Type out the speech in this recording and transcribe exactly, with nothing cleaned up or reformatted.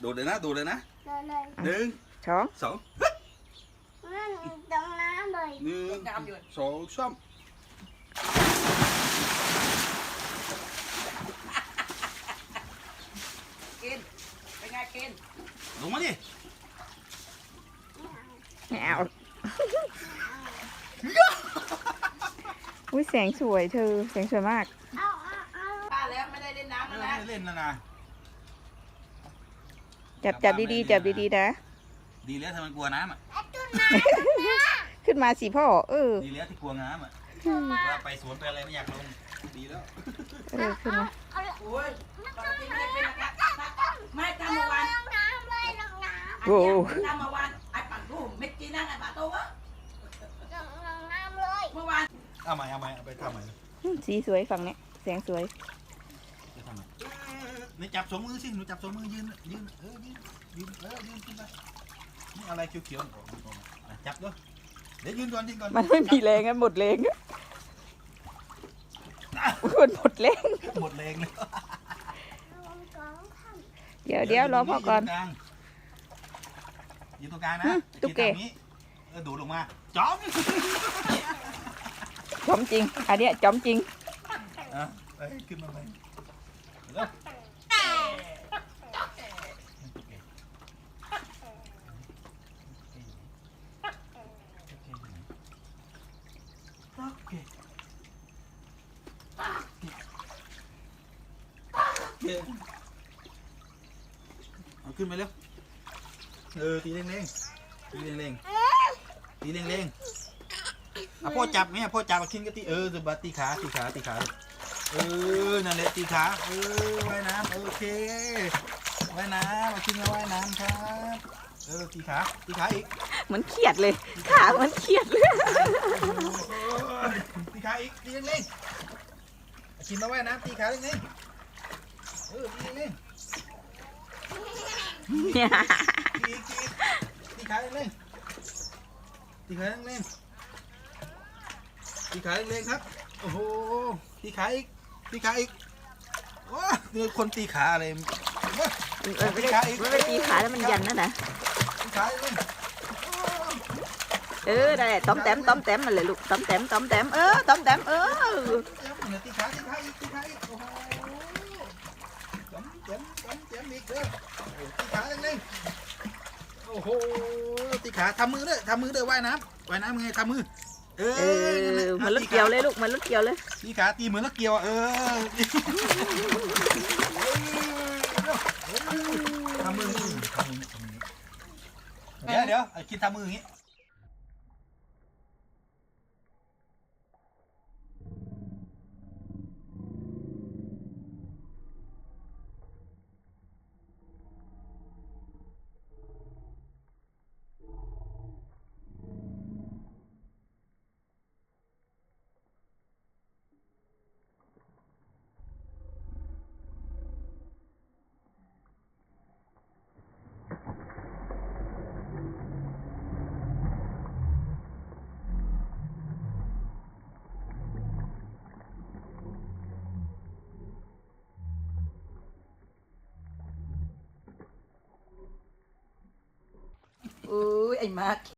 โดดเลยนะโดดเลยนะเลยหนึ่งสองสองนั่นตรงน้ำเลยหนึ่งสองสามกินเป็นไงกินลงมาดิไม่เอาอุ้ยแสงสวยเธอแสงสวยมากเอาเอาเอาป้าแล้วไม่ได้เล่นน้ำเอแล้วอนะไม่เล่นแล้วนะจับจับดีๆจับดีๆนะดีแล้วทำไมกลัวน้ำอ่ะไอ้ตุ้นน้ำขึ้นมาสิพ่อเออดีแล้วที่กลัวน้ำอ่ะว่าไปสวนไปอะไรไม่อยากลงดีแล้วเออขึ้นมาเอาเลยโอ้ยปกติไม่ได้เป็นนะครับไม่ทำเมื่อวานลงน้ำเลยลงน้โอ้ทำเมื่อวานไอ้ปั่นรูปเม็ดจีนั่งไอ้ป่าโต้วะำลงลงน้ำเลยเมื่อวานเอาใหม่เอาใหม่เอาไปทำใหม่สีสวยฝั่งเนี้ยแสงสวยไปทำใหม่หนูจับสองมือสิหนูจับสองมือยืนยืนเออยืนยืนเออยืนขึ้นไปนี่อะไรเขียวๆออกมาออกมาอ่ะจับด้วยเดี๋ยวยืนก่อนยืนก่อนมันไม่มีแรงกันหมดแรงอะมันหมดแรงหมดแรงเลยลงกองทเดี๋ยวเดี๋ยวรอพ่อก่อนยืนตรงกลางนะอืมตุ๊กแกยืนตรงนี้เออดูดลงมาจ้อมจอมจริงอันเนี้ยจอมจริงอ่ะเอ้ยขึ้นมาเลยเร็ว โอเคเอาขึ้นไปเร็วเออตีเร่งๆตีเร่งๆตีเร่งๆอ่ะพ่อจับไหมอ่ะพ่อจับมาขึ้นก็ตีเออจะบัดตีขาตีขาตีขาเออนั่นแหละตีขาเออว่ายน้ำโอเคว่ายน้ำมาขึ้นมาว่ายน้ำครับเออตีขาตีขาอีกเหมือนเครียดเลยขาเหมือนเครียดเลยตีขาอีกตีเร่งๆกินมาว่ายน้ำตีขาเร่งๆเออตีเร่งๆตีอีกตีอีกตีขาเร่งๆตีขาเร่งๆตีขาเร่งๆครับโอ้โหตีขาอีกตีขาอีกว้าเนี่ยคนตีขาอะไรมันไม่ได้มันไม่ได้ตีขาแล้วมันยันนั่นนะตีขาเร่งเออได้ต้อมแต้มต้อมแต้มมันเลยลูกต้อมแต้มต้อมแต้มเออต้อมแต้มเออเนี่ยตีขาตีขาอีกตีขาอีกโอ้โหจมจมจมจมอีกเด้อตีขาเร่งๆ โอ้โหตีขาทำมือด้วยทำมือด้วยว่ายน้ำว่ายน้ำยังไงทำมือเอเอออมันรถเกี่ยวเลยลูกมันรถเกี่ยวเลยตีขาตีเหมือนรถเกี่ยวเออทำมือทำมือเดี๋ยวเดี๋ยวคิดทำมืออย่างนี้อุ้ยไอ้มาร์ค